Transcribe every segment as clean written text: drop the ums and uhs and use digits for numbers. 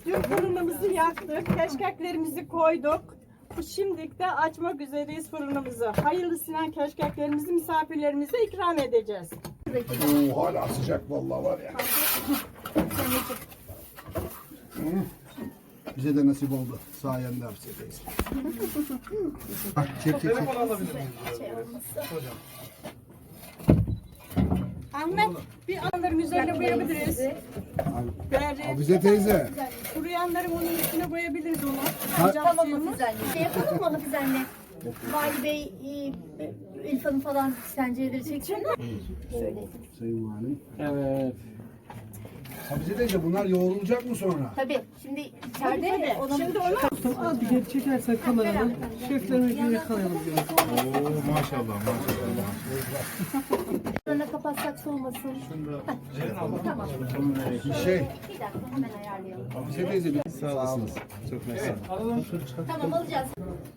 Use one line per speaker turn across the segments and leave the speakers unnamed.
Dün fırınımızı yaktık, keşkeklerimizi koyduk. Şimdi de açmak üzereyiz fırınımızı. Hayırlısıyla keşkeklerimizi misafirlerimize ikram edeceğiz.
Oo, hala sıcak vallahi var ya. Bize de nasip oldu. Sayende hapsedeyiz. Bak çek.
Ahmet, bir anların üzerine boyayabiliriz.
Bize teyze.
Kuruyanların onun üstüne boyayabiliriz onu.
Tamam Hafize anne. Şey yapalım mı Hafize anne? Vali Bey, İlfan'ın falan senceleri çeksin mi? Şöyle.
Sayın Valim.
Evet.
Bize teyze bunlar yoğrulacak mı sonra?
Tabii. Şimdi içeride ona...
Şimdi onu
Az bir geri çekersen kameradan şeflerimizi yakalayalım.
Oo maşallah.
Sonra kapatsak soğumasın. Tamam.
Şey,
Bir dakika hemen ayarlayalım.
bize teyze bir
Sağ olasınız. Çok mersi.
Tamam alacağız.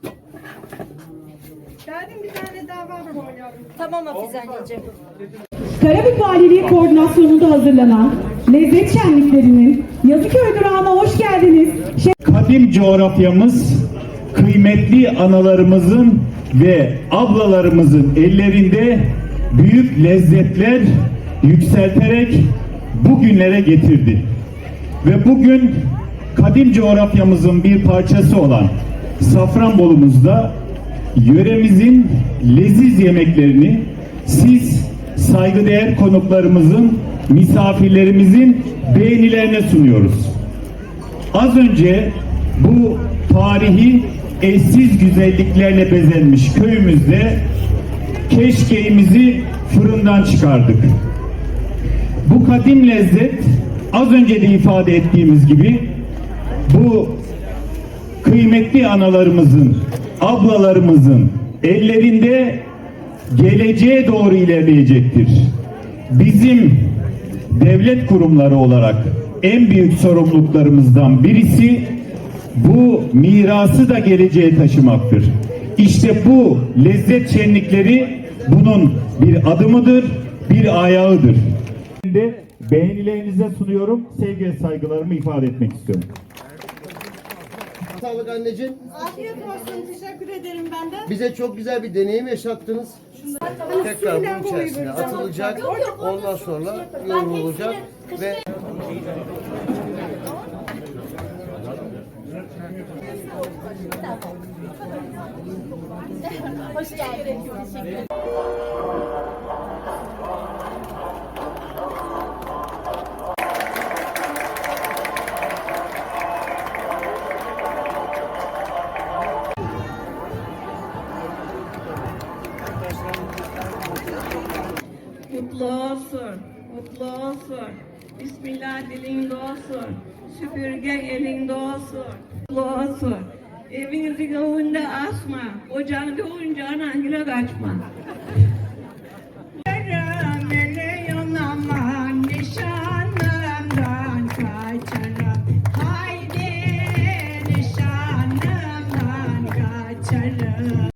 Geldim, bir tane daha var boyuyorum.
Tamam Hafize anneciğim.
Karabük Valiliği koordinasyonunda hazırlanan lezzet şenliklerinin Yazıköy durağına hoş geldiniz.
Kadim coğrafyamız, kıymetli analarımızın ve ablalarımızın ellerinde büyük lezzetler yükselterek bugünlere getirdi. Ve bugün kadim coğrafyamızın bir parçası olan Safranbolumuzda yöremizin leziz yemeklerini siz saygıdeğer konuklarımızın, misafirlerimizin beğenilerine sunuyoruz. Az önce bu tarihi eşsiz güzelliklerle bezenmiş köyümüzde keşkeğimizi fırından çıkardık. Bu kadim lezzet az önce de ifade ettiğimiz gibi bu kıymetli analarımızın, ablalarımızın ellerinde geleceğe doğru ilerleyecektir. Bizim devlet kurumları olarak en büyük sorumluluklarımızdan birisi bu mirası da geleceğe taşımaktır. İşte bu lezzet şenlikleri bunun bir adımıdır, bir ayağıdır. Beğenilerinize sunuyorum, sevgi ve saygılarımı ifade etmek istiyorum.
Sağlık anneciğim.
Afiyet olsun, teşekkür ederim ben de.
Bize çok güzel bir deneyim yaşattınız. Tekrar bunun içerisine atılacak. Ondan sonra yoğrulacak ve
Hoş geldiniz. Teşekkür ederim.
Mutlu olsun, mutlu olsun. Bismillah dilinde olsun. Süpürge elinde olsun. Mutlu olsun. Evinizin önünde asma. Ocağında oyuncağına kaçma.